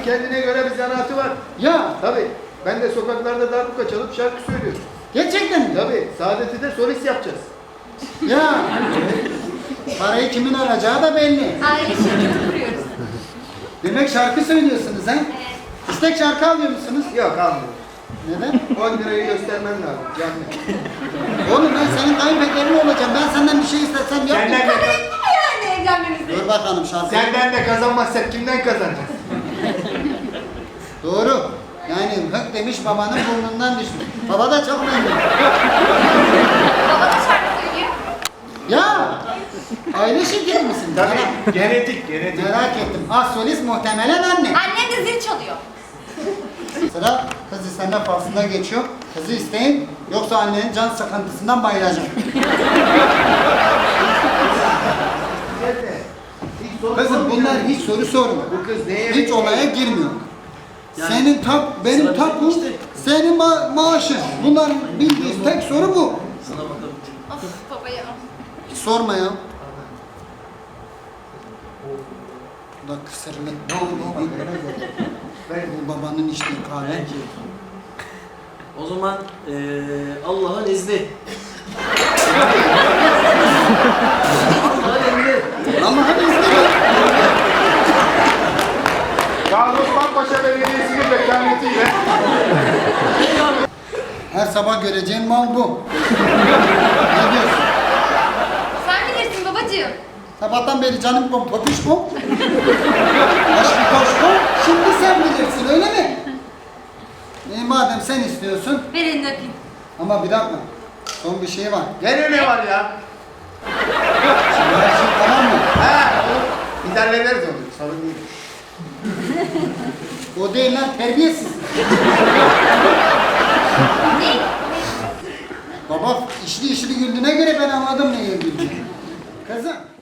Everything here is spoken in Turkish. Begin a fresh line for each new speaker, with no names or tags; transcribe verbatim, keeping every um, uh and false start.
kendine göre bir zanaatı var.
Ya
Tabii. Ben de sokaklarda darbuka çalıp şarkı söylüyorum.
gerçekten mi?
Tabii. Saadet'i de solist yapacağız.
Ya parayı kimin alacağı da belli.
Aile şirketi kuruyoruz.
Demek şarkı söylüyorsunuz ha?
Evet.
İstek şarkı alıyor musunuz?
Yok almıyorum.
Neden?
on lirayı göstermen lazım. Canlı.
Oğlum ben senin kayınpederin olacağım. Ben senden bir şey istesem yap.
Senden de,
Kabul etti mi yani evlenmemizi?
Dur bakalım şarkı.
senden de kazanmazsak kimden kazanacağız?
Doğru. Yani hık demiş babanın burnundan düşmüş. Baba da çok memnun.
Baba da şarkı söylüyor.
Ya! Aile şirketi misin?
Tabii. Genetik, genetik.
Merak ettim. Az solist muhtemelen anne.
Annem de zil çalıyor.
Sıra kız isteme faslına geçiyor. Kızı isteyin yoksa annenin can sıkıntısından bayılacak.
Hiç soru
Kızım
sormuyor.
bunlar hiç soru sormuyor.
Bu kız neye
Hiç olaya girmiyor.
Yani
Senin tap, benim
sıra
tapum,
bizim işte.
senin ma maaşın. Bunlar bildiğiniz tek soru bu.
Sana bakalım.
Of baba ya.
Hiç sorma ya. Bu da kısırlı.
Ne oldu? Ben
Bu babanın içtiği kahve.
Belki. O zaman eee Allah'ın izni. Allah'ın emri.
Allah'ın izniyle.
Gazi Osman Paşa Belediyesi'nin vekaletiyle
Her sabah göreceğin mal bu. Ne diyorsun?
Sen bilirsin babacığım.
Sabahtan beri canım kom, topiş kom. Aşkı koş kom. Şimdi sen bilirsin öyle mi? E, madem sen istiyorsun.
Ver elini öpeyim.
Ama bir dakika. Son bir şey var.
gene ne var ya?
Şimdi her şey tamam mı?
Ha, olur. Biz hallederiz onu. Sorun değil.
O değil lan terbiyesiz.
Ne?
Baba işli işli güldüğüne göre ben anladım neye güldüğünü. Kızım.